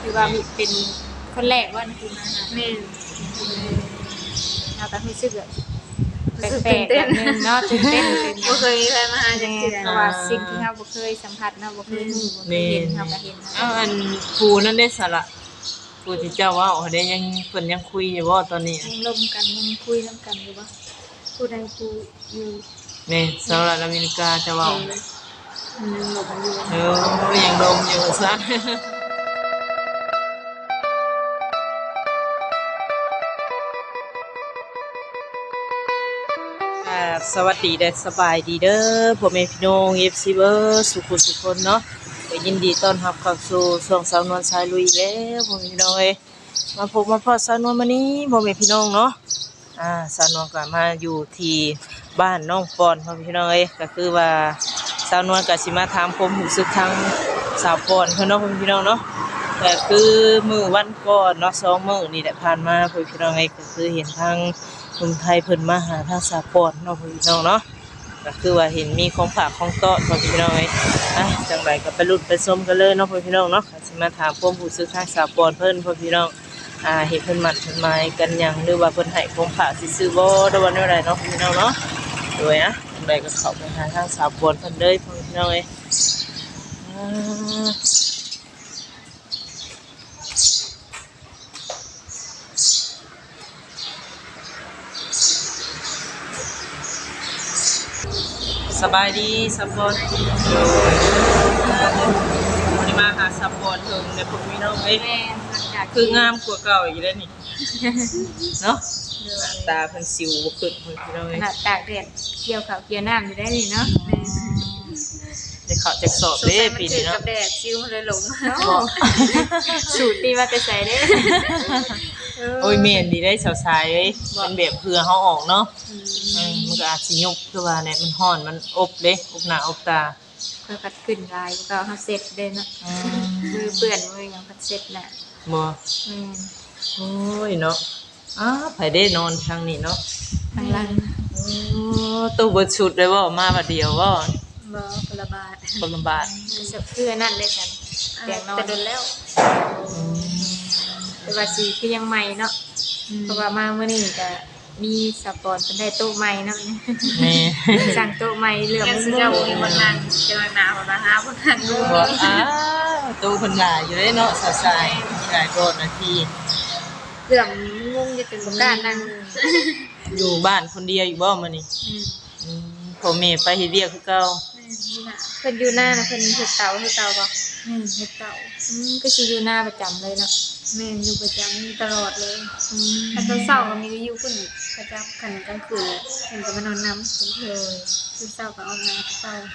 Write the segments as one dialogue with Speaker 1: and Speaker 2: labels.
Speaker 1: คือว่ามีเป็นคนแรกว่านะคือมาหา
Speaker 2: แม่น
Speaker 1: เราก็รู้สึกแบบ
Speaker 2: รู้สึก
Speaker 1: แปล
Speaker 2: ตื่น
Speaker 1: กๆ
Speaker 2: เต้น
Speaker 1: แบบนึงเนาะตื่นเต้น
Speaker 2: บ่เคยมีใครมาหาจังซี่
Speaker 1: เพราะว่าสิ่งที่เราบ่เคยสัมผัสเนาะบ่เคยรู้บ่เคยเห็นเราก็เห็น
Speaker 3: เอาอันผู้นั่นได้สละผู้ที่เจ้าว่าได้ยังเพิ่นยังคุยอยู่บ่ตอนนี้
Speaker 1: ยังลมกันยังคุยนํกันอยู่บ่ผู้ใดผู้อยู่
Speaker 3: นี่สหรัฐอเมริกาจะเว้า
Speaker 1: ยังลมอยู่
Speaker 3: ยังดมอยู่ซะสวัสดีเด้อสบายดีเด้อพ่อแม่พี่น้อง FC เบอร์สุขสุขคนเนาะก็ยินดีต้อนรับเข้าสู่ช่องสาวนวลสายลุยแล้วพ่อแม่พี่น้องเอ้ยมาพบมาพอสาวนวลมื้อนี้พ่อแม่พี่น้องเนาะสาวนวลก็มาอยู่ที่บ้านน้องปอนพ่อแม่พี่น้องเอ้ยก็คือว่าสาวนวลก็สิมาถามความรู้สึกทางสาวปอนเพิ่นเนาะพ่อแม่พี่น้องเนาะก็คือมื้อวันก่อนเนาะ2มื้อนี่แหละผ่านมาพ่อแม่พี่น้องเอ้ยก็คือเห็นทางหนุ่มไทยเพิ่นมาหาทางสาวปอนเนาะพ่อแม่พี่น้องเนาะก็คือว่าเห็นมีของฝากของต้อนพ่อแม่พี่น้องเอ้ยจังไดก็ไปลุ้นไปชมกันเลยเนาะพ่อแม่พี่น้องเนาะก็สิมาถามความรู้สึกทางสาวปอนเพิ่นพ่อแม่พี่น้องเห็นเพิ่นมั่นเพิ่นหมายกันหยังหรือว่าเพิ่นให้ของฝากสิซื้อบ่หรือว่าแนวใดเนาะพ่อแม่พี่น้องเนาะโดยจังไดก็เข้าไปหาทางสาวปอนเพิ่นเลยพ่อแม่พี่น้องเอ้ยสบายดีซัพพอร์ตวันนี้มาหาซัพพอร์ตถึงในพวกพี่น้องเอ้ย
Speaker 1: แม่หลังจาก
Speaker 3: คืองามกว่าเก่าอีกแล้วนี่ เนาะตาเพิ่นสิวบ่ขึ้นเพิ่นพี่น้อง
Speaker 1: ข
Speaker 3: เอ้ย
Speaker 1: นาดตากแดดเกี่ยวข้าวเกี่ยวน้ำอยู่ได้นี่เนาะ
Speaker 3: จะเข้าจักสอบเด้ปีนี้
Speaker 2: กั
Speaker 3: เนาะ
Speaker 2: บแดดซิวเลยหลง
Speaker 1: สูตรตีมาแต่ใส่เด้
Speaker 3: โอ้ยแม่นดีได้สาวสายเอ้ยเป็นแบบเพื่อเฮาออกเนาะมันก็อาจสิยุบคือว่าเนี่ยมันร้อนมันอบเด้อบหน้าอบตา
Speaker 1: เพื่อพัดขึ้นลายก็เฮาเสร็จเด้เนาะมือเปื้อนมือยังพัดเสร็จน่ะ
Speaker 3: บ่
Speaker 1: อืม
Speaker 3: โอ้ยเนาะไผได้นอนทางนี้เนาะ
Speaker 1: ข้างหลัง
Speaker 3: โอ้ตู้เบิดชุดเลยบ่มาบัดเดียวบ่
Speaker 1: บ่พลบาท
Speaker 3: คนลำบาก
Speaker 1: เพื่อนั่นเลยกันเตียงนอน
Speaker 2: แต่โดนแล้ว
Speaker 1: แต่ว่าสีคือยังใหม่เนาะเพราะว่ามาเมื่อนี้ก็มีสปอนเป็นได้โต๊ะใหม่เนาะ
Speaker 3: แม่
Speaker 1: สั่งโต๊ะใหม่เหลือ
Speaker 2: ยัง
Speaker 1: มุ
Speaker 2: สิ
Speaker 1: ม
Speaker 2: เจ้ามีบ่นั่งเจอหน้าบ่นะฮะบ่นั่งดู
Speaker 3: บ่ตู้เพิ่นหลายอยู่เด้เนาะสาวสายมีหลายโกนาที
Speaker 1: เหลือมุมจะเป็นบ่กล้านั่ง
Speaker 3: อยู่บ้านคนเดียวอยู่บ่มื้อนี้ พ่อแม่ไปเฮ็ดเวียกคือเก่า
Speaker 1: เพิ่นอยู่หน้านะเพิ่นเฮ็ดเตาบ่
Speaker 2: เฮ็ดเต่า
Speaker 1: ก็สิอยู่หน้าประจำเลยเนาะ
Speaker 2: แม่นอยู่ประจำตลอดเลย
Speaker 1: ถ้า
Speaker 2: ถ้า
Speaker 1: ต
Speaker 2: ต
Speaker 1: อ
Speaker 2: อน น
Speaker 1: เช้า
Speaker 2: เช้า
Speaker 1: ก็
Speaker 2: ก็
Speaker 1: มี
Speaker 2: มีอยู่พุ่นประจำคันกลางคืนเพิ่นก็มานอนนำเพิ่นเลยคือเช้าก็เอามาเช้า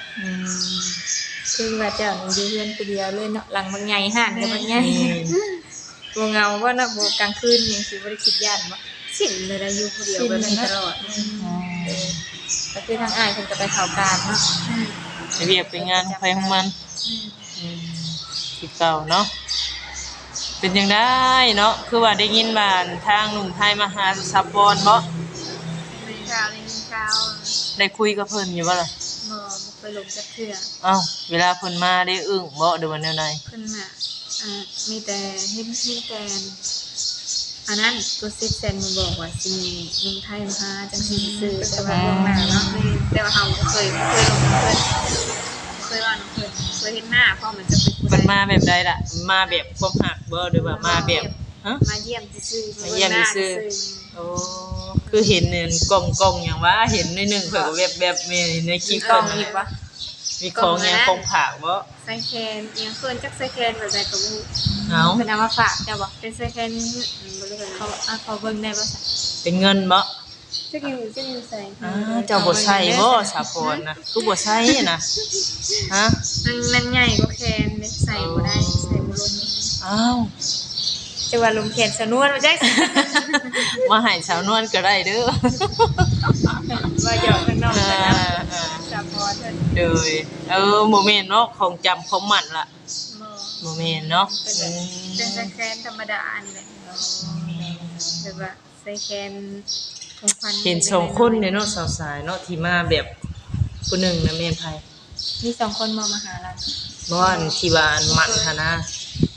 Speaker 1: คือว่าเจ้าหนูอยู่เรือนผู้เดียวเลยเนาะหลังบางใหญ่ห่านกับ บางใหญ่บ่เหงาว่าเนาะบ่กลางคืนยังสิบ่ได้คิดย่านบ่
Speaker 2: สิ้นเลยได้อยู่ผู้เดียวแบบนี้ตลอด
Speaker 1: ก็คือทางอ้ายเพิ่นก็ไปเข้าการเนาะ
Speaker 3: ไปเวียกไปงานของไผของมันคือเก่าเนาะเป็นจังได๋เนาะคือว่าได้ยินว่าทางหนุ่มไทยมาหาซัพพอร์ตบ่
Speaker 2: มีเช้าได้มีเช้า
Speaker 3: ได้คุยกับเพิ่นอยู่บ่ล่ะ
Speaker 2: บ่ไปลงจักเทื่อ
Speaker 3: อ้าวเวลาเพิ่นมาได้อึ้งบ่หรือว่าแนวใด
Speaker 2: เพิ่นน่ะมีแต่เฮ็ดแต่อันนั้นตัวซิกแซนมาบอกว่าสิมีลุงไทยมาจังสิซื้อแต่ว่าลงหน้าเนาะแต่ว่าเฮาบ่เคยลงเพิ่นเคยว่าน้องเพิ่นเคยเห็นหน้าเพราะมันจะเป็น
Speaker 3: เพิ่นมาแบบใดล่ะมาแบบความหักบ่หรือว่ามาแบบฮะ
Speaker 2: มาเยี่ยมซื่อๆ
Speaker 3: มาเยี่ยมซื่อ โอ้คือเห็นเนี่ยกล่องๆอย่างว่าเห็นในหนึ่งเผื่อก็แบบๆในคลิป
Speaker 1: กล้
Speaker 3: เพิ่
Speaker 1: อง
Speaker 3: น
Speaker 1: อีกวะ
Speaker 3: มีของอย่างของผากบ่
Speaker 2: ใส่แคนเอียงเพิ่นจักใส่แคนแบบใดก็บ่รู้
Speaker 3: เอา
Speaker 1: เพิ่นเอามาฝากเจ้าบ่
Speaker 2: เป็นใส่แคนบ่รู้กัน
Speaker 1: เขาเขาเบิ่งได้บ่ซะ
Speaker 3: เป็นเงินบ่
Speaker 2: จักอยู่ใส่
Speaker 3: เจ้าบ่ใช่บ่สาพรนะคือบ่ใช่นะฮะ
Speaker 2: มันใหญ่กว่าแคนเด้ใส่บ่ได้ใส่บ่ลง
Speaker 3: อ้าว
Speaker 1: จะว่าลุงแขนสนวนมาจัก
Speaker 3: มาให้สาวนวลก็ได้เด้อ
Speaker 1: ว่าหยอกข้างนอกกันนะสะพอเพิ่น
Speaker 3: เด้อบ่แม่นเนาะของจำของหมันล่ะ
Speaker 2: บ่
Speaker 3: บ่แม่นเนาะ
Speaker 2: เป็นใส่แคนธรรมดานี่แหละแบบว่าใส่แคนของขวัญ
Speaker 3: เห็นสองคนเนี่ยเนาะสาวสายเนาะที่มาแบบผู้หนึงนะแม่นไผ
Speaker 1: มี2คนมาหาเรา
Speaker 3: บ่อันที่ว่าอันหมันหั่นนะ
Speaker 1: ม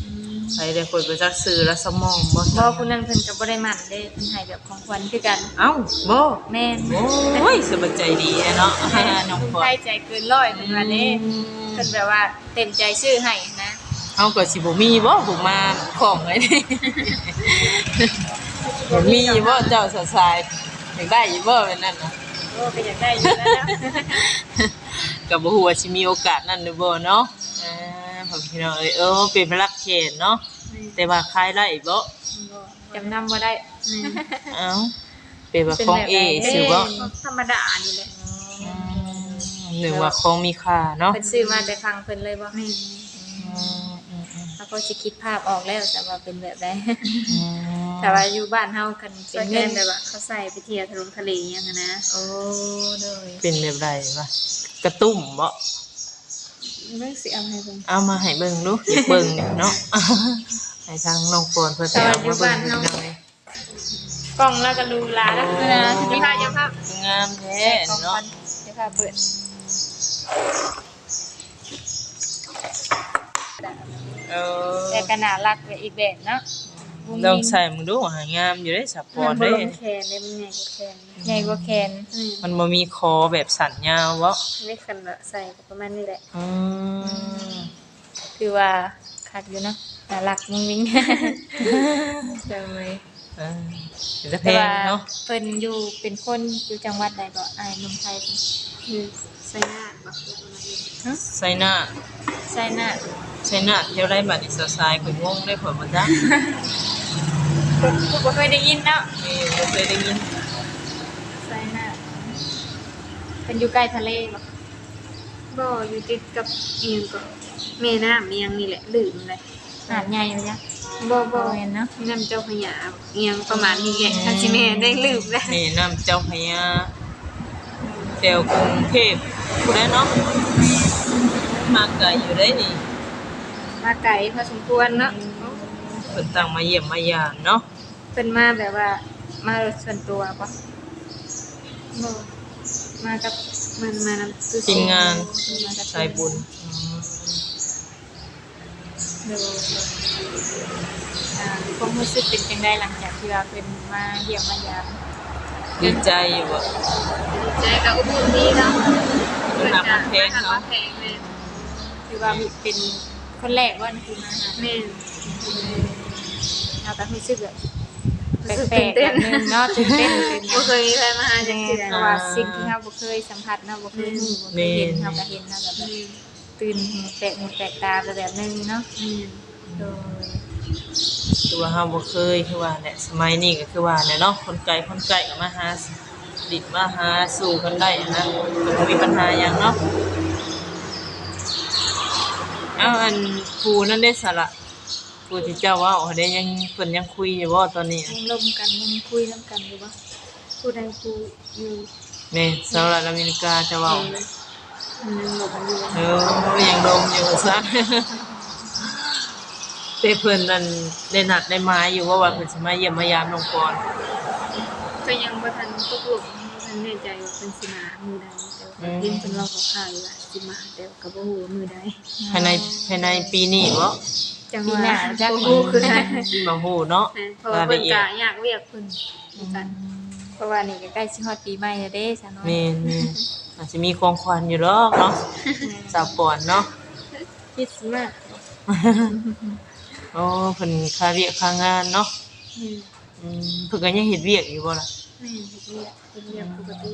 Speaker 3: ไปได้คนไปจักซื้อและสมองบ่
Speaker 1: บ่ผู้นั้นเพิ่นก็บ่ได้มั่นเด้เพิ่นให้แบบของขวัญคือกัน
Speaker 3: เอ้าบ่
Speaker 1: แม่น
Speaker 3: โอ้ยสบายใจดีเนาะน้อง
Speaker 1: เพิ่น
Speaker 3: พลอ
Speaker 1: ใส่
Speaker 3: ย
Speaker 1: ใจเกินร้อยเพิ่นว่าเด้เพิ่นแบบว่าเต็มใจซื้อให้นะ
Speaker 3: เฮาก็สิบ่มีบ่ผมมาของไว้นี่ บ่มีบ่เจ้าสะสายอยากได้อยู่บ่แบบนั้นน่ะ
Speaker 1: โอ้ก็อยากได้อยู่แล้วนะ
Speaker 3: ก็บ่ฮู้ว่าสิมีโอกาสนั้นหรือบ่เนาะผมพี่น้องเป็นพลักเขตเนาะแต่ว่าขายได้บ่
Speaker 1: จำนำบ่ได้
Speaker 3: เอ้าเป็นว่าของเอซื้อบ่
Speaker 2: ธรรมดานี่แหละ
Speaker 3: หรือว่าของมีค่าเนาะ
Speaker 1: เพิ่นซื้อมาแต่ฟังเพิ่นเลยบ่
Speaker 2: แม่น
Speaker 1: แล้วก็สิคิดภาพออกแล้วแต่ว่าเป็นแบบใดแต่ว่าอยู่บ้านเฮาคัน
Speaker 2: ส
Speaker 1: เป็น
Speaker 2: แก
Speaker 1: เงิ
Speaker 2: น
Speaker 1: น
Speaker 2: แบบว่าเขาใส่ไปเที่ยวทะเลอย่างนั้นนะ
Speaker 1: โอ้โดย
Speaker 3: เป็นแบบใดวะกระตุ้มบ่
Speaker 2: เรื่องสิเอาให้เบิ่ง
Speaker 3: เอามาให้เบิ่งดูอยากเบิ่งเนี่ยเนาะ ให้ทางน้องปอนเพิ่นไปเอามาเบิ่งพี่น้องเอ้ย
Speaker 1: กล้องแล้วก็รูลาแล้วนะจะพาจะพาง
Speaker 3: ามแท้
Speaker 1: กล้อง
Speaker 3: เนาะ
Speaker 1: ก่อนจะพาเปิด
Speaker 3: เออ
Speaker 1: แต่ก็น่ารักไปอีกแบบเนาะ
Speaker 3: ลองใส่มึงดูหางามอยู่เด้สับปอ
Speaker 2: มัน นบ่
Speaker 3: เด้
Speaker 2: ลงแขนเลยมันใหญ่กว่าแขน
Speaker 1: ใหญ่กว่าแขน
Speaker 3: มันบ่มีคอแบบสันยาวบ่
Speaker 2: ไม่คันละใส่ก็ประมาณนี้แหละ
Speaker 3: อืม
Speaker 1: คือว่าคักอยู่เนาะน่ารักมุ้งมิ้งเจ้าเลย
Speaker 3: เออเป็นตะเพ
Speaker 1: แต่
Speaker 3: ง
Speaker 1: ว่า
Speaker 3: เนาะ
Speaker 1: เพิ่นอยู่เป็นคนอยู่จังหวัดใดก็อายหนุ่มไทย
Speaker 2: คือใส่หน้าบักประมาณนี้
Speaker 3: ใส่หน้า
Speaker 1: ใช่น่ะ
Speaker 3: ใส่หน้าเที่ยวได้บัดนี้สายๆข่อยงงได้ผลบ่จ๊ะ
Speaker 1: ผู้บ่เคยได้ยินเนาะ
Speaker 3: นี่บ่เคยได้ยิน
Speaker 1: ใช่น่ะเป็นอยู่ใกล้ทะเลบ่
Speaker 2: บ่อยู่ติดกับเอียงก็แม่น้ำเอียงนี่แหละลืมเลย
Speaker 1: หาดใหญ่บ่จ๊ะ
Speaker 2: บ่
Speaker 1: บ่เห็นเนาะ
Speaker 2: น้ำเจ้าพระยาเอียงประมาณนี้แหละคันสิแม่ได้ลืมแล้ว
Speaker 3: แม่น้ำเจ้าพระยาแถวกรุงเทพผู้ใดเนาะมาไกลอยู่ได้นี่
Speaker 2: มาไกลพอสมควรเนาะ
Speaker 3: เพิ่นตั้งมาเยี่ยมมายามเนาะ
Speaker 1: เป็นมาแบบว่ามารถส่วนตัวปะ
Speaker 2: บ่
Speaker 1: มากับ
Speaker 2: มันมานำตู้
Speaker 3: ทีมงาน
Speaker 1: มากับ
Speaker 3: สายบุญ
Speaker 1: เดี๋ยวความรู้สึกเป็นจังไดหลังจากที่ว่าเป็นมาเยี่ยมมายาม
Speaker 3: ดีใจอยู่บ่
Speaker 2: ใจกับอบอุ่นดีเนาะ
Speaker 3: เพิ่นหักมันแพง
Speaker 2: เนาะ
Speaker 3: เนาะ
Speaker 2: แพงเลย
Speaker 1: คือว่าเป็นคนแรกว่าคือมาหา
Speaker 2: แม่น
Speaker 1: เราก็รู้สึกแบบ
Speaker 2: รู้สึก
Speaker 1: แปล
Speaker 2: ตื่
Speaker 1: ก
Speaker 2: น
Speaker 1: ๆ
Speaker 2: เต้
Speaker 1: แบบ
Speaker 2: น
Speaker 1: นึงเนาะตื่นเต้น
Speaker 2: บ่เคยมีใครมาหาจังซี่
Speaker 1: เพราะว่าสิ่งที่เราบ่เคยสัมผัสเนาะบ่เคยรู้บ่เคยเห็นเราก็เห็นเนาะแบบตื่นหูแปลกตาไปแบบนึงเนาะโดย
Speaker 3: คือว่าเฮาบ่เคยคือว่าเนี่ยสมัยนี้ก็คือว่าเนี่ยเนาะคนไกลก็มาหาดิดมาหาสู่กันได้นะก็บ่มีปัญหาหยังเนาะเอาอันผู้นั่นได้สาระผู้ที่เจ้าเว้าได้ยังเพิ่นยังคุยอยู่บ่ตอนนี้
Speaker 1: ยังลมกันยังคุยนํกันอยู่บ่
Speaker 2: ผู้ใดผู้อยู่
Speaker 3: แม่สหรัฐอเมริกาจะเว้า
Speaker 2: มันยังหลบอยู่
Speaker 3: ยังดมอยู่ซะ แต่เพิ่นนั่นได้นัดได้หมายอยู่ว่าเพิ่นสิมาเยี่ยมมายามน้องปอน
Speaker 2: ก็ยังบ่ทันตกลงบ่ทันแน่ใจว่าเพิ่นสิมามื้อใดแต่ว่าเห็นเพิ่นเว้าคร่าวๆอยู่ว่าสิมาแต่ก็บ่ฮู้ว่ามื้อใด
Speaker 3: ภายในปีนี้บ่
Speaker 2: จัง
Speaker 1: ปี
Speaker 2: ว่า
Speaker 1: หน้าจะ
Speaker 2: บ่ฮู้คือกัน
Speaker 3: บ่ฮู้เนาะ
Speaker 2: เพราะว่าเพิ่นก็อยากเรียกเพิ่นเหมือนกัน
Speaker 1: เพราะว่านี่ก็ใกล้สิฮอดปีใหม่แล้วเด้ซะเนาะ
Speaker 3: แม่นอาจจะมีของขวัญอยู่ดอกเนาะสาวปอนเนาะ
Speaker 2: คิดมาก
Speaker 3: โอ้เพิ่นค่าเวียกค่างานเนาะ เพิ่นก็ยังเฮ็ดเวียกอยู่บ่ล่ะ
Speaker 2: แม่เฮ็ดเรียกปกติ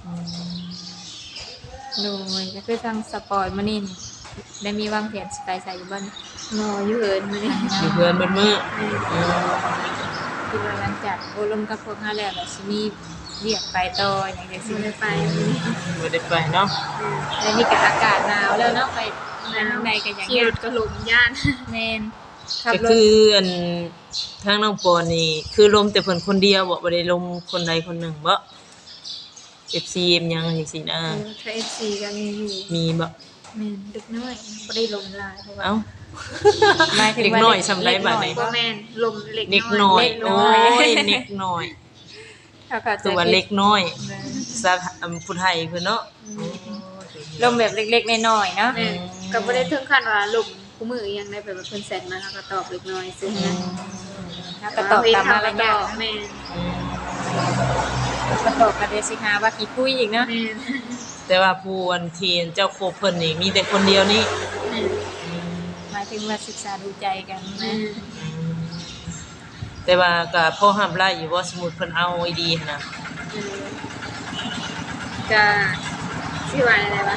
Speaker 1: โดยก็คือทางสปอร์ตมื้อนี้นี่ได้มีวางแผนสิไปใส่อยู่บ่นี่
Speaker 2: นออยู่เอิ้นมื้อนี้
Speaker 3: อยู่เพื่อนเบิดมื้อ
Speaker 1: คิดว่าหลังจากโอลมกับพวกเฮาแล้วแบบสิมีเรียกไปต่ออย่างจัง
Speaker 2: สิ
Speaker 1: ซี่
Speaker 2: ได้ไปมื้อนี้
Speaker 3: บ่ได้ไปเนาะ
Speaker 1: แล้วนี่ก็อากาศหนาวแล้วเนาะไปทางในก็อย่าง
Speaker 2: ขี่
Speaker 1: เงี้ย
Speaker 2: รถก็ลมย่าน
Speaker 1: แม่นขับ
Speaker 3: ก็
Speaker 1: รถ
Speaker 3: คืออันทางน้องปอนนี่คือลมแต่เพิ่นคนเดียวบ่ได้ลมคนใดคนหนึ่งบ่ FC เอ็มหยังจังซี่นะ
Speaker 2: ถ้า FC ก็มีอยู่
Speaker 3: มีบ่
Speaker 2: แม่นดึกน้อยบ่ได้ลมหลายเพราะว่า
Speaker 3: เอ้า
Speaker 1: หมายถึง
Speaker 3: เด็ก
Speaker 1: ว่า
Speaker 3: น้อยสำไรบัดนี้
Speaker 2: บ่แม่นลมเล็ก
Speaker 3: เด็กน้อย
Speaker 2: เล็ก
Speaker 3: โอ้
Speaker 2: น้อย
Speaker 3: ยเด็กน้อย
Speaker 1: เขาเข้าใจ
Speaker 3: ตัวเล็กน้อยซะผู้ไทยเพิ่นเนาะ
Speaker 1: ลมแบบเล็กๆน้อยๆเนาะ
Speaker 2: แม่นก็บ่ได้ถึงขั้นว่าลมโหคู่มือยังได้แบบว่าเพิ่นแซนมาเฮาก็ตอบเล็กน้อยซื่อนะ
Speaker 1: แล้วก็ตอบตามมารยาท
Speaker 2: แม่น
Speaker 1: ก็ตอบกันเดสิหาว่าขี้คุยอีกเนาะ
Speaker 2: แม่น
Speaker 3: แต่ว่าผู้อันที่เจ้าโคเพิ่นนี่มีแต่คนเดียวนี่
Speaker 2: แม่น
Speaker 1: หมายถึงว่าศึกษาดูใจกัน
Speaker 2: แม่
Speaker 1: นะ
Speaker 2: น
Speaker 3: แต่ว่าก็พอห้ามไล่อยู่ว่าสมมุติเพิ่นเอาไอ้ดีหั่นน่ะ
Speaker 2: ก็สิว่าอะไรวะ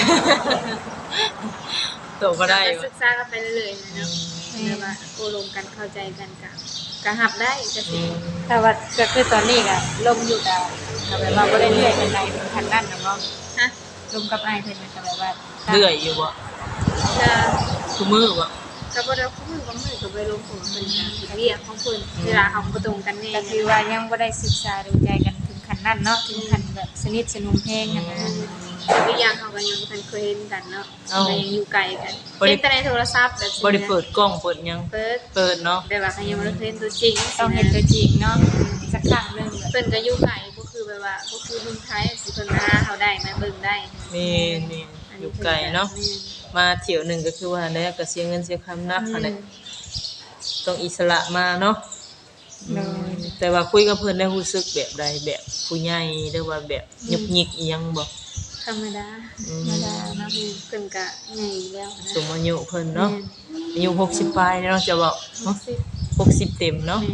Speaker 3: โตก็ได้
Speaker 2: ก็ศึกษากันไปเรื่อยๆนะเนาะแบบว่าโอลมกันเข้าใจกันก็หับได้ก็สิ
Speaker 1: แต่ว่าก็คือตอนนี้ก็ลมอยู่กับแบบว่าบ่ได้เรื่อยเป็นไรเป็นคันนั่นนะเนาะ
Speaker 2: ฮะ
Speaker 1: ลมกับอ้ายเพิ่นมันก็แบบว่า
Speaker 3: เรื่อยอยู่บ่
Speaker 2: จะ
Speaker 3: ทุกมื้อบ่
Speaker 2: ก็บ่ได้คู่มือบางมื้อก็ไปลงของเพิ่นก็เรียกของเพิ่นเวลาเขาบ่ตรงกันแน่
Speaker 1: ก็คือว่ายังบ่ได้ศึกษาดูใจกันถึงขั้นนั้นเนาะถึงขั้นแบบสนิทสนมเพลงกันนะ
Speaker 2: แต่อีกอย่างเขาก็ยังบ่ทันเคยเห็นกันเนาะก็ยังอยู่ไกลกันเห็นแต่ในโทรศัพท์แบบ
Speaker 3: บ่ได้เปิดกล้องเปิดหยัง
Speaker 2: เปิด
Speaker 3: เปิดเนาะ
Speaker 2: แต่ว่าเขายังบ่ได้เห็นตัวจริง
Speaker 1: ต้องเห็นตัวจริงเนาะสักครั้งหนึงแบบ
Speaker 2: เพิ่นก็อยู่ไกลก็คือแบบว่าก็คือเมืองไทยสิเพิ่นมาหาเขาได้มาเบิ่งได้
Speaker 3: แม่นอยู่ไกลเนาะมาเที่ยวหนึงก็คือว่าแล้วก็เสียเงินเสียคำนักหั่นแหละต้องอิสระมาเนาะ แต่ว่าคุยกับเพิ่นได้รู้สึกแบบใดแบบผู้ใหญ่หรือว่าแบบยุกยิกอีหยังบ่
Speaker 2: ธรรมดา
Speaker 1: ธรรมดาเนาะ
Speaker 2: เพิ่นก็ใหญ่แล้วนะ
Speaker 3: สมอายุเพิ่นเนาะอายุ60ปลายเนาะจะบอกเนาะ60เต็มเนาะ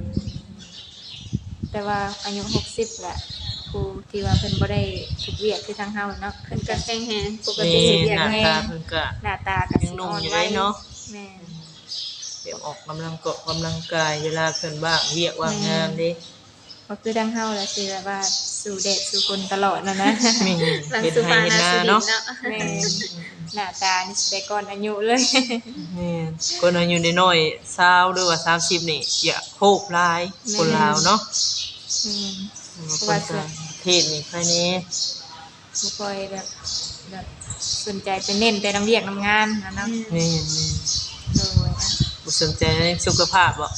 Speaker 1: แต่ว่าอายุ60แหละครูที่ว่าเพิ่นบ่ได้ถูกเวียกคือทางเฮาเนาะ
Speaker 2: เพิ่นก็แข็งแรงปก
Speaker 3: นี่
Speaker 2: ติสิเรีย
Speaker 3: ห
Speaker 2: ก
Speaker 3: น้า
Speaker 2: แม่
Speaker 3: ตาเพิ่นก็
Speaker 1: หน้าตาก็
Speaker 3: ยังหนุ่มอยู่เลยเนาะ
Speaker 1: แม่น
Speaker 3: แบบออกกำลังกายเวลาเพิ่นว่างเวียกว่างงานเด้
Speaker 1: บ่คือทางเฮาแหละสิแบบว่าสู่แดดสู่ฝนตลอดนั่นนะ
Speaker 3: มี
Speaker 2: หลัง
Speaker 3: เฮ็ด
Speaker 2: สุ
Speaker 3: ให้
Speaker 2: ภา
Speaker 3: เฮ็ด
Speaker 2: นา
Speaker 3: นา
Speaker 2: สุดิน
Speaker 3: เนาะ
Speaker 2: เนาะ
Speaker 1: แม่นหน้าตานี่สิได้ก่อนอายุเลย
Speaker 3: นี่คนอายุน้อยๆ20หรือว่า30นี่อย่าโคบหลายคนลาวเนาะ
Speaker 1: อืม
Speaker 3: คนต่างประเทศนี่ใครแน่
Speaker 1: บ่ค่อยแบบสนใจไปเน้นแต่น้ำเวียกน้ำงานนะเนาะ
Speaker 3: นี่
Speaker 1: โดยนะ
Speaker 3: บ่สนใจในสุขภาพบ่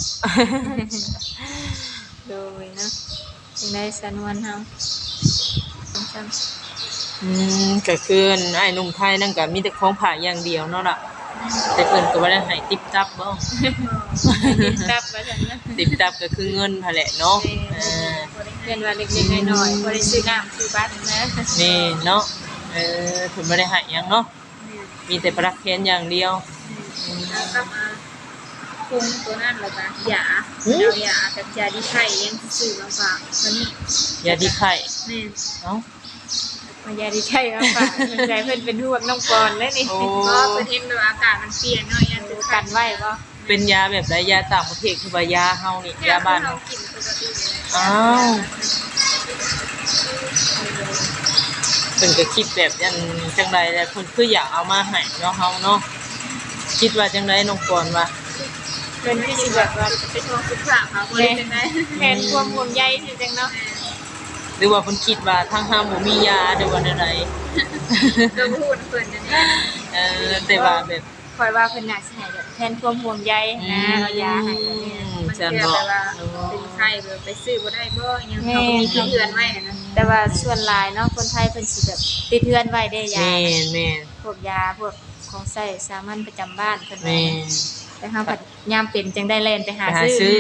Speaker 1: โดยนะจังได้สนวนเฮาจำ
Speaker 3: ก็คืออ้ายหนุ่มไทยนั่นก็มีแต่ของผ่าอย่างเดียวเนาะล่ะแต่เพิ่นก็บ่ได้ให้ติ๊บตับบ่
Speaker 1: ตับว่าซั่นนะ
Speaker 3: ติ๊บตับก็คือเงินหั่นแหละเนาะา
Speaker 1: เรียนว่าเล็กๆน้อยๆบ่ได้ซื้อน้ำซื้อบัตรนะ
Speaker 3: นี่เนาะเพิ่นบ่ได้ให้หยังเนาะมีแต่ประเคนอย่างเดียว
Speaker 2: แล้วก็มาคุมตัวนั่นแล้วก็ยาเอายากับยาดีไข่ยังซื้อมาฝากวันนี้
Speaker 3: ยาดีไข้
Speaker 2: แม่
Speaker 3: เอ้าม
Speaker 1: ายาดีใช่มาฝากสนใจเพิ่นเป็นห่วงน้องปอนแล้วนี่
Speaker 3: โอ้
Speaker 2: ก็เป็นเห็นแบบอากาศมันเปลี่ยนเนาะยังคือ
Speaker 1: กันไว้บ่
Speaker 3: เป็นยาแบบใดยาต่างประเทศคือว่ายาเฮานี่ยาบ้าน
Speaker 2: เรากินปกติเลย
Speaker 3: อ้าวเพิ่นก็คิดแบบอันจังไดแหละเพิ่นคืออยากเอามาให้เนาะเฮาเนาะคิดว่าจังไดน้องปอนว่า
Speaker 1: เพิ่นคือสิแบบว่า
Speaker 2: เป็นห่วงสุขภาพเขาบ่ได้จังได๋
Speaker 1: แทนความห่วงใยสิจังเนาะ
Speaker 3: หรือว่าเพิ่นคิดว่าทางเฮาบ่มียาหรือว่าใด
Speaker 2: ก็พูดเพิ่นนั่นเอง
Speaker 3: แต่ว่าแบบ
Speaker 1: คอยว่าเพิ่นน่าสิให้แบบแทนความห่วงใยนะเอายาให้แบบนี้
Speaker 2: มันเกิดแบบว่าเป็นไข้แบบไปซื้อบ่ได้บ่ยังเขาก็มีที่เฮือนไว้นะ
Speaker 1: แต่ว่าส่วนหลายเนาะคนไทยเพิ่นสิแบบติดเทือนไว้ได้ยา
Speaker 3: แม่นแม่น
Speaker 1: พวกยาพวกของใช้สามัญประจำบ้านเพิ่น
Speaker 3: แม่น
Speaker 1: แต่เฮาผัดยามเป็นจังได้แล่นไปหา
Speaker 3: ไปหาซื้อ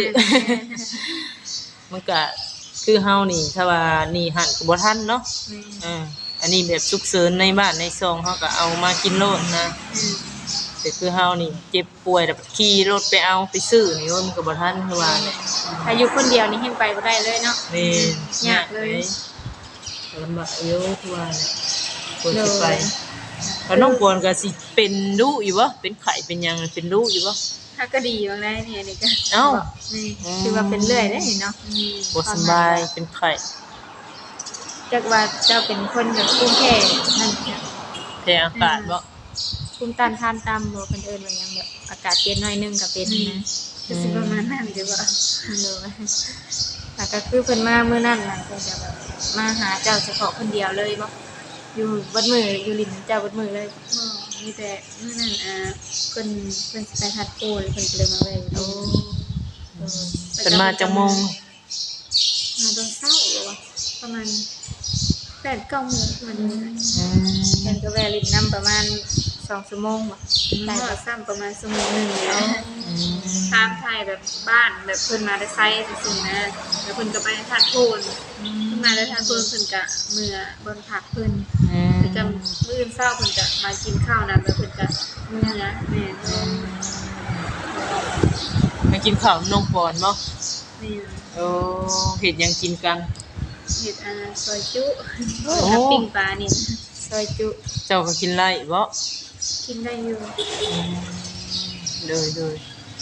Speaker 3: มันก็คือเฮานี่ถ้าว่านี่หั่นก็บ่ทันเนาะอันนี้แบบฉุกเฉินในบ้านในซองเฮาก็เอามากินโลดนะแต่คือเฮานี่เจ็บป่วยแล้วขี่รถไปเอาไปซื้อนี่โอ้ยมันก็บ่ทันคือว่าแหละ
Speaker 1: ถ้าอยู่คนเดียวนี่เฮ็ดไปบ่ได้เลยเนาะ
Speaker 3: แม่น
Speaker 1: ยากเลย
Speaker 3: ลำบากอยู่คือว่าเนี่ยควรสิไปแล้วน้องปวนก็สิเป็นดุอยู่บ่เป็นไข้เป็นหยังเป็นดุอยู่บ่
Speaker 2: ถ้าก็ดีบางได้เนี่ยนี่ก็
Speaker 3: เอ้า
Speaker 2: นี่
Speaker 1: คือว่าเป็นเรื่อยเด้เนาะ
Speaker 3: บ่สำบายเป็นไข้
Speaker 1: จักว่าเจ้าเป็นคนแบบภูมิแพ้นั่นเนี่ย
Speaker 3: แพ้อากาศบ่
Speaker 1: ภูมิต้านทานต่ำบ่เพิ่นเอิ้นว่าหยังแบบอากาศเปลี่ยนหน่อยนึงก็เป็นนะ
Speaker 2: ก็สิประมาณนั้นเด้อว่า
Speaker 1: เลยแต่ก็คือเพิ่นมามื้อนั้นน่ะเพิ่นจะแบบมาหาเจ้าเฉพาะคนเดียวเลยบ่อยู่บัดมื้ออยู่ลิ้นเจ้าบัดมื้อเลย
Speaker 2: มีแต่มื้อนั้นเพิ่นสิไปทัดโกนเพิ่นก็เลยมาแวะอยู่
Speaker 3: เพิ่นมาจังโมง
Speaker 2: มาตอนเช้าหรือว่าประมาณ8-9 โมงมัน
Speaker 3: อืม
Speaker 1: เพิ่นก็แวะลิ้นนํประมาณ 2ชั่วโมงบ่
Speaker 2: ได้
Speaker 1: ได้
Speaker 2: ก็
Speaker 1: บ่
Speaker 2: ซ้ำประมาณชั่วโมงนึงแล้วตามไทยแบบบ้านแบบเพิ่นมาได้ไซส์ซื่อๆนะแล้วเพิ่นก็ไปธาตุโพนเพิ่นมาได้ธาตุโพนเพิ่นก็เมื่อบนผักเพิ่นเพิ่นก็มื้ออื่นเช้าเพิ่นก็มากินข้าวนํแล้วเพิ่นก็มื้อนะแม่
Speaker 3: มากินข้าวน้องปอนบ่
Speaker 2: นี่
Speaker 3: โอ้เฮ็ดหยังกินกัน
Speaker 2: เฮ็ดซอยจุกับปิ้งปลานี่
Speaker 1: ซอยจุ
Speaker 3: เจ้าก็กินไล่บ่
Speaker 2: กินได้อยู่
Speaker 3: เลย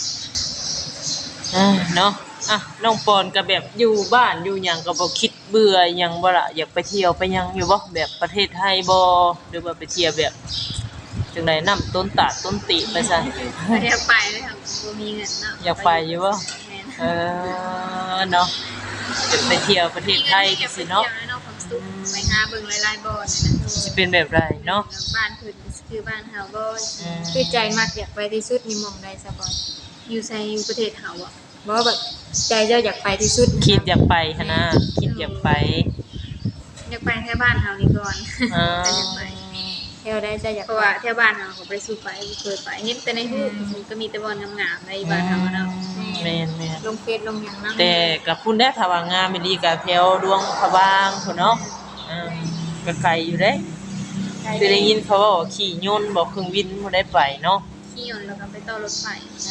Speaker 3: เนาะน้องปอนก็แบบอยู่บ้านอยู่หยังก็บ่คิดเบื่อหยังบ่ล่ะอยากไปเที่ยวไปหยังอยู่บ่แบบประเทศไทยบ่หรือว่าไปเที่ยวแบบจังได๋น้ำต้นตาดต้นติไปซะ
Speaker 2: อยากไปเลยค่ะบ่มีเงินเนาะ
Speaker 3: อยากไปอยู่บ่
Speaker 2: แม่น
Speaker 3: เนาะจะไปเที่ยวประเทศไทยจังซี่เนาะ
Speaker 2: เนาะความสุขไปหาเบิ่งหลายๆบ่อนนะ
Speaker 3: สิเป็นแบบไรเนาะ
Speaker 2: บ้านเพิ่นคือบ้านเฮาบ่
Speaker 1: คือใจมักอยากไปที่สุดนี่หม่องใดซะบ่
Speaker 2: อยู่ไสอยู่ประเทศเฮาอ่ะ
Speaker 1: บ่แบบใจเจ้าอยากไปที่สุด
Speaker 3: คิดอยากไปหั่นนะคิดอยากไป
Speaker 2: อยากไปแค่บ้านเฮานี่ก่อน
Speaker 3: อ่า
Speaker 2: แต่อยากไป
Speaker 1: แถวใดจะอยาก
Speaker 2: เพราะว่าแถวบ้านเฮาก็บ่ได้สู่ไปบ่เคยไปเห็นแต่ในรูปก็มีแต่บ่อนงามๆในบ้านเฮาเนาะ
Speaker 3: แม่น
Speaker 1: ลงเฟซลงหยังเนาะ
Speaker 3: แต่กับพุ่นได้ถ้าว่างามอีหลีก็แถวดวงพระบางพุ่นเนาะก็ไกลอยู่เด้คือได้ยินเขาว่าขี่ยนต์บ่เครื่องบินบ่ได้ไปเนาะ
Speaker 2: ขี่ยนต์แล้วก็ไปต่อรถไฟ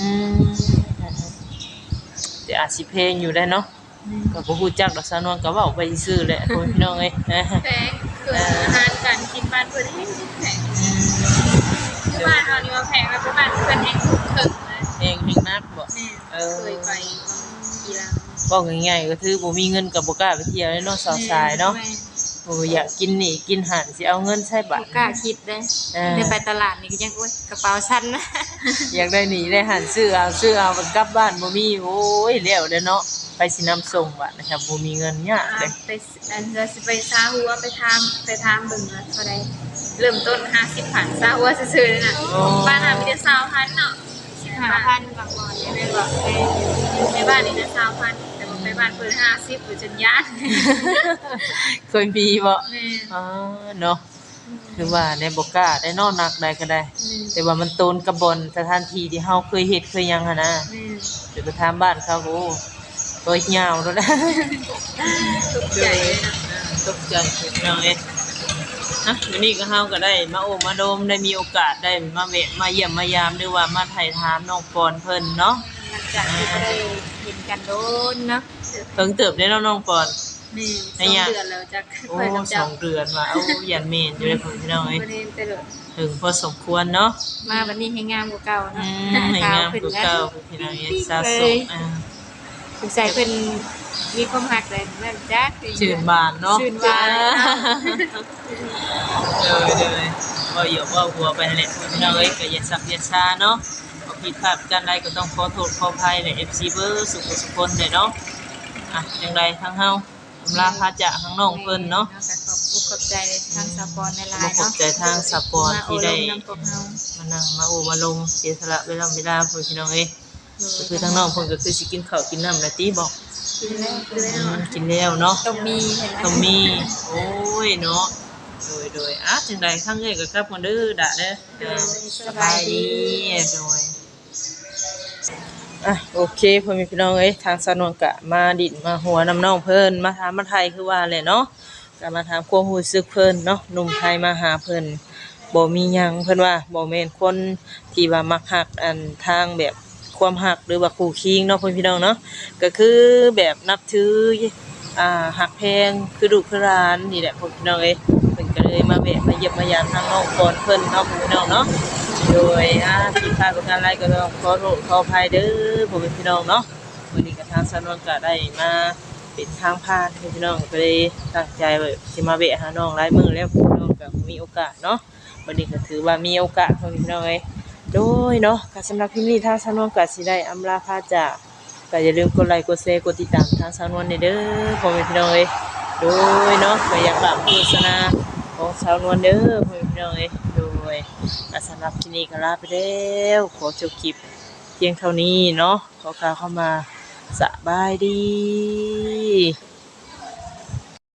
Speaker 3: แต่อาจสิเพลงอยู่ได้เนาะก็บ่ฮู้จักดอกสาวนวลก็เว้าไปซื่อๆแหละพ่อพี่น้องเอ้ย
Speaker 2: แพงคืออาหารการกินบ้านเพิ่นแพงคือบ้านเฮานี่ว่าแพงแล้วบ้านเพิ่นแฮงถูกถึงนะ
Speaker 3: เองนักบ่
Speaker 2: เคยไปกี่ลัง
Speaker 3: บอกง่ายๆก็คือบ่มีเงินก็บ่กล้าไปเที่ยวเลยเนาะสาวสายเนาะโอ้อยากกินนี่กินหันสิเอาเงินใช้บัตร
Speaker 1: บ่กล้าคิดเด้ได้ไปตลาดนี่ก็ยังโอ๊ยกระเป๋าฉันนะ
Speaker 3: อยากได้หนีได้หันซื้อเอามันกลับบ้านบ่มีโอ้ยแล้วเด้อเนาะไปสินำส่งบัดนะครับบ่มีเงินยากเด้
Speaker 2: ไปอันจะสิไปซาหัวไปทำเบิ่งว่าเท่าใดเริ่มต้น50พันซาหัวซื่อๆเลยน่ะบ้านน่ะมีแต่20,000เนาะ
Speaker 1: 5,000บางวันได้แม่นบ่
Speaker 2: ในบ้านนี่นะ20,000แต่ว่าไปบ้านเพิ่น50อยู่จนย่าน
Speaker 3: เคยมีบ่
Speaker 2: แม่
Speaker 3: อ๋อเนาะคือว่าในบ่กล้าได้เนอนนักได้ก็ได้ แต่ว่ามันโตนกระบอนสถานที่ที่เฮาเคยเฮ็ดเคยหยังหั่นนะ
Speaker 2: แม่
Speaker 3: เดี๋ยวไปถามบ้านเขาโอ้ตัวยาวแล้วนะ
Speaker 2: ทุกข์ใจเลยนะ
Speaker 3: ตกใจพี่น้องเอ้ยวันนี้ก็เฮาก็ได้มาโอ้มาโดมได้มีโอกาสได้มาแวะมาเยี่ยมมายามหรือว่ามาถ่ายถามน้องปอนเพิ่นเนาะ
Speaker 1: หลังจากที่บ่ได้เห็นกันโดนเนาะ
Speaker 3: เพิ่งเติบได้แล้วน้องปอน
Speaker 2: แม่2เดือนแล้วจัก
Speaker 3: โอ้
Speaker 2: ค่อยกับ
Speaker 3: ส
Speaker 2: เจ้า
Speaker 3: องเดือนว่าเอายันเมนอยู่เลยพี่น้องเอ้ย
Speaker 2: บ่ได้แต่เด้อ
Speaker 3: ถึงพอสมควรเนาะ
Speaker 1: มาวันนี้ให้งามกว่าเก่าเนาะ
Speaker 3: ให้งาม
Speaker 1: ขึ้น
Speaker 3: คือ
Speaker 1: แล้ว
Speaker 3: เก่าพี่น้องเอ้ยสะสม
Speaker 1: สงสัยเพิ่นมีความรักเลยแม่นจัก
Speaker 3: ชื่นบานเนาะ
Speaker 1: ชื่นบาน
Speaker 3: เลยก็อย่าว่าหัวไปนั่นแหละพี่น้องเอ้ยก็อย่าสักอย่าช้าเนาะพอผิดพลาดกันใดก็ต้องขอโทษขออภัยใน FC เบอร์สุขสุขคนเด้เนาะจังไดทั้งเฮาอำลาพาจะทั้งน้องเพิ่นเนาะ
Speaker 1: ขอบใจทางสปอนในไลน์
Speaker 3: ขอบ
Speaker 1: เนาะ
Speaker 3: ใจทางสปอนที่ได้
Speaker 1: มาโอลมนำพวกเฮา
Speaker 3: มานั่งมาโอมาลงเสียสละเวลาพี่น้องเอ้ยก็คือทั้งน้องเพิ่นก็คือสิกินข้าวกินน้ำนะติบอก
Speaker 1: กินแล้ว
Speaker 3: กินแล้วเนาะ
Speaker 1: ต้องมีเห็นไหม
Speaker 3: ต้องมีโอ้ยเนาะโดยจังใดข้างเอ้ยก็กลับกันเด้อดะเด้อสบายดีโดยโอเคพ่อแม่พี่น้องเอ้ยทางสนวนกะมาดินมาหัวน้ำน้องเพิ่นมาถามมาไทยคือว่าแหละเนาะก็มาถามความรู้สึกเพิ่นเนาะหนุ่มไทยมาหาเพิ่นบ่มีหยังเพิ่นว่าบ่แม่นคนที่ว่ามักฮักอันทางแบบความฮักหรือว่าคู่คิงเนาะพ่อพี่น้องเนาะก็คือแบบนับถือฮักแพงคือลูกคือหลานนี่แหละพ่อพี่น้องเอ้ยเพิ่นก็เลยมาแวะมาเยี่ยมมายามทางน้องก่อนเพิ่นเนาะพ่อพี่น้องเนาะโดยผิดพลาดประการใดก็ต้องขอโทษขออภัยเด้อพ่อพี่น้องเนาะวันนี้ก็ทางสนวนก็ได้มาเป็นทางผ่านพ่อพี่น้องก็เลยตั้งใจว่าสิมาแวะหาน้องหลายมื้อแล้วพ่อพี่น้องก็มีโอกาสเนาะวันนี้ก็ถือว่ามีโอกาสพ่อพี่น้องเอ้ยโดยเนาะก็สำหรับคลิปนี้ทางสนวนก็สิได้อำลาพาจากก็อย่าลืมกดไลค์กดแชร์กดติดตามทางสนวนเด้อพ่อพี่น้องเอ้ยโดยเนาะก็อยากฝากโฆษณาของสาวนวลเด้อพ่อพี่น้องเอ้ยโดยสำหรับคลิปนี้ก็ลาไปแล้วขอจบคลิปเพียงเท่านี้เนาะขอกล่าวเข้ามาสบายดี